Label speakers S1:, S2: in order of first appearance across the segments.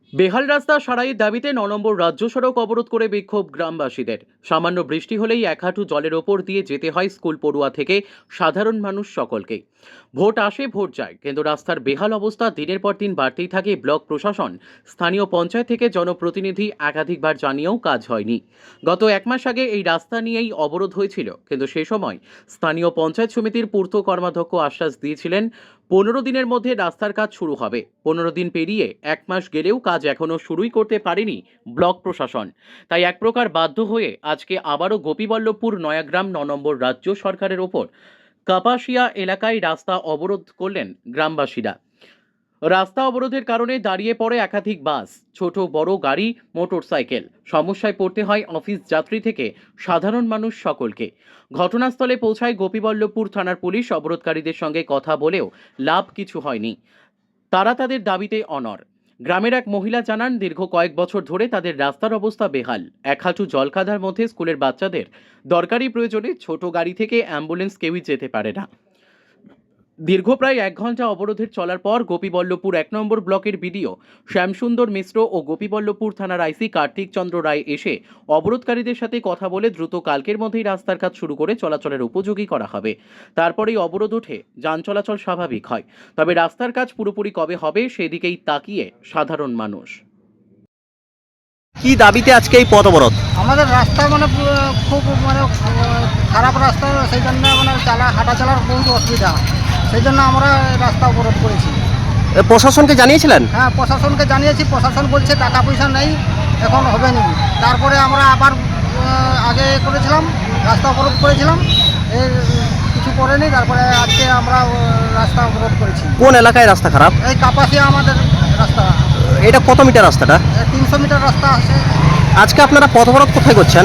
S1: বেহাল রাস্তা সারাইয়ের দাবিতে ৯ নম্বর রাজ্য সড়ক অবরোধ করে বিক্ষোভ গ্রামবাসীদের। সামান্য বৃষ্টি হলেই এক হাঁটু জলের ওপর দিয়ে যেতে হয় স্কুল পড়ুয়া থেকে সাধারণ মানুষ সকলকেই। ভোট আসে ভোট যায়, কিন্তু রাস্তার বেহাল অবস্থা দিনের পর দিন বাড়তেই থাকে। ব্লক প্রশাসন, স্থানীয় পঞ্চায়েত থেকে জনপ্রতিনিধি একাধিকবার জানিয়েও কাজ হয়নি। গত এক মাস আগে এই রাস্তা নিয়েই অবরোধ হয়েছিল, কিন্তু সে সময় স্থানীয় পঞ্চায়েত সমিতির পূর্ত কর্মাধ্যক্ষ আশ্বাস দিয়েছিলেন ১৫ দিনের মধ্যে রাস্তার কাজ শুরু হবে। ১৫ দিন পেরিয়ে এক মাস গেলেও কাজ এখনও শুরুই করতে পারেনি ব্লক প্রশাসন। তাই এক প্রকার বাধ্য হয়ে আজকে আবারও গোপীবল্লভপুর নয়াগ্রাম ৯ নম্বর রাজ্য সরকারের ওপর কাপাসিয়া এলাকায় রাস্তা অবরোধ করলেন গ্রামবাসীরা। রাস্তা অবরোধের কারণে দাঁড়িয়ে পড়ে একাধিক বাস, ছোট বড় গাড়ি, মোটরসাইকেল। সমস্যায় পড়তে হয় অফিস যাত্রী থেকে সাধারণ মানুষ সকলকে। ঘটনাস্থলে পৌঁছায় গোপীবল্লভপুর থানার পুলিশ। অবরোধকারীদের সঙ্গে কথা বলেও লাভ কিছু হয়নি। তারা তাদের দাবিতে অনড়। গ্রামের এক মহিলা জানান, দীর্ঘ কয়েক বছর ধরে তাদের রাস্তার অবস্থা বেহাল। এক হাঁটু জলকাদার মধ্যে স্কুলের বাচ্চাদের দরকারি প্রয়োজনে ছোট গাড়ি থেকে অ্যাম্বুলেন্স কেউই যেতে পারে না। দীর্ঘ প্রায় ১ ঘন্টা অবরোধের চলার পর গোপীবল্লভপুর ১ নম্বর ব্লকের বিডিও শ্যামসুন্দর মিশ্র ও গোপীবল্লভপুর থানার আইসি কার্তিক চন্দ্র রায় এসে অবরোধকারীদের সাথে কথা বলে দ্রুত কালকের মধ্যেই রাস্তার কাজ শুরু করে চলাচলের উপযোগী করা হবে। তারপরেই অবরোধ ওঠে, যান চলাচল স্বাভাবিক হয়। তবে রাস্তার কাজ পুরোপুরি কবে হবে সেদিকেই তাকিয়ে সাধারণ মানুষ।
S2: কি দাবিতে আজকে এই পথ অবরোধ?
S3: আমাদের রাস্তা খুব খারাপ রাস্তা, সেই জন্য হাঁটা চলার বহুত অসুবিধা, সেই জন্য আমরা রাস্তা অবরোধ করেছি।
S2: প্রশাসনকে জানিয়েছিলেন?
S3: হ্যাঁ, প্রশাসনকে জানিয়েছি। প্রশাসন বলছে টাকা পয়সা নেই, এখন হবে না। তারপরে আমরা আবার আগে করেছিলাম, রাস্তা অবরোধ করেছিলাম, এর কিছু করেনি। তারপরে আজকে আমরা রাস্তা অবরোধ করেছি।
S2: কোন এলাকায় রাস্তা খারাপ?
S3: এই কাপাসিয়া আমাদের রাস্তা।
S2: এটা কত মিটার রাস্তাটা?
S3: ৩০০ মিটার রাস্তা আছে।
S2: আজকে আপনারা পথ অবরোধ কোথায় করছেন?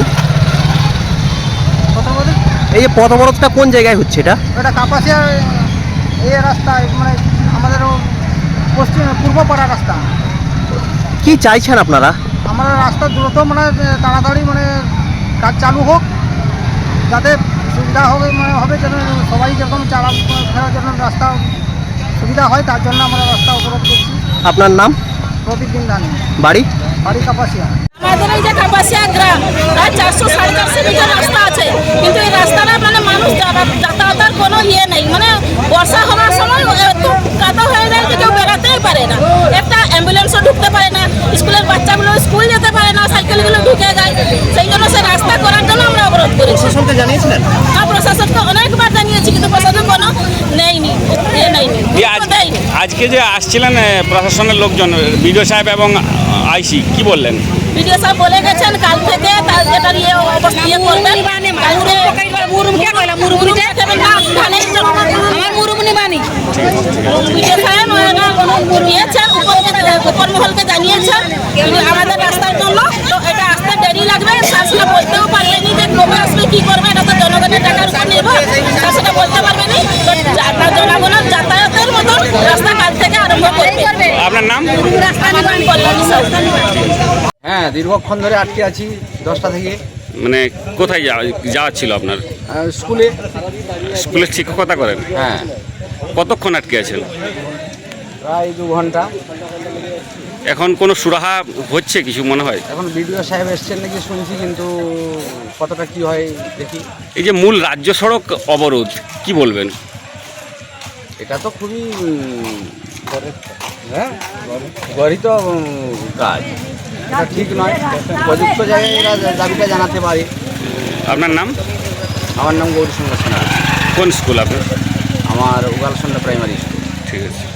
S3: কথা বলি,
S2: এই যে পথ অবরোধটা কোন জায়গায় হচ্ছে?
S3: এটা কাপাসিয়া এই রাস্তা, আমাদের পূর্বপাড়া রাস্তা।
S2: কি চাইছেন আপনারা?
S3: আমরা রাস্তা দ্রুত তাড়াতাড়ি কাজ চালু হোক, যাতে সুবিধা হবে যেন সবাই যেরকম ফেরার জন্য রাস্তা সুবিধা হয়, তার জন্য আমরা রাস্তা অবরোধ করছি।
S2: আপনার নাম?
S3: প্রদীপ বিন্দানি।
S2: বাড়ি?
S3: বাড়ি কাপাসিয়া।
S4: আমাদের এই যে কাপাসিয়া গ্রাম, প্রায় ৪০০-৪৫০ মিটার রাস্তা আছে, কিন্তু এই রাস্তাটা মানুষ যাতায়াতের কোনো নেই। বর্ষা হওয়ার সময় এত কাদা হয়ে যায় যে কেউ বেড়াতেই পারে না। একটা অ্যাম্বুলেন্সও ঢুকতে পারে না, স্কুলের বাচ্চাগুলো স্কুল যেতে পারে না, সাইকেলগুলো ঢুকে যায়। সেই জন্য সে রাস্তা করার জন্য আমরা অবরোধ করেছি।
S2: প্রশাসনকে জানিয়েছিলেন?
S4: হ্যাঁ, প্রশাসনকে অনেকবার জানিয়েছি, কিন্তু প্রশাসন কোনো নেয়নি।
S5: আজকে যে আসছিলেন প্রশাসনের লোকজন, বিডিও সাহেব এবং আইসি, কি বললেন?
S4: বিডিও সাহেব বলে গেছেন কাল থেকে এটার অবস্থা করবেন। বিডিও সাহেব দিয়েছেন, উপর মহলকে জানিয়েছেন আমাদের রাস্তার জন্য। তো এটা আসতে দেরি লাগবে, সেটা বলতেও পারবেনি যে কবে আসবে, কি করবে। এটা তো জনগণের টাকার উপর নির্ভর, সেটা বলতে পারবেনি। জনগণের যাতায়াতের মতন রাস্তা কাল থেকে আরম্ভ করবে।
S5: আপনার নাম?
S6: হ্যাঁ, দীর্ঘক্ষণ ধরে আটকে আছি 10টা থেকে।
S5: কোথায় যাওয়ার ছিল আপনার?
S6: স্কুলে।
S5: স্কুলের শিক্ষকতা করেন?
S6: হ্যাঁ।
S5: কতক্ষণ আটকে আছেন?
S6: প্রায় 2 ঘন্টা।
S5: এখন কোনো সুরাহা হচ্ছে কিছু মনে হয়?
S6: এখন বিডিও সাহেব এসছেন নাকি শুনছি, কিন্তু কতটা কি হয় দেখি।
S5: এই যে মূল রাজ্য সড়ক অবরোধ, কি বলবেন?
S6: এটা তো খুবই গরিত কাজ, এটা ঠিক নয়। প্রযুক্ত জায়গায় এরা দাবিটা জানাতে পারে।
S5: আপনার নাম?
S6: আমার নাম গৌরী শঙ্কর সিনহা।
S5: কোন স্কুল আপনার?
S6: আমার উগালসন্ধ্যা প্রাইমারি স্কুল।
S5: ঠিক আছে।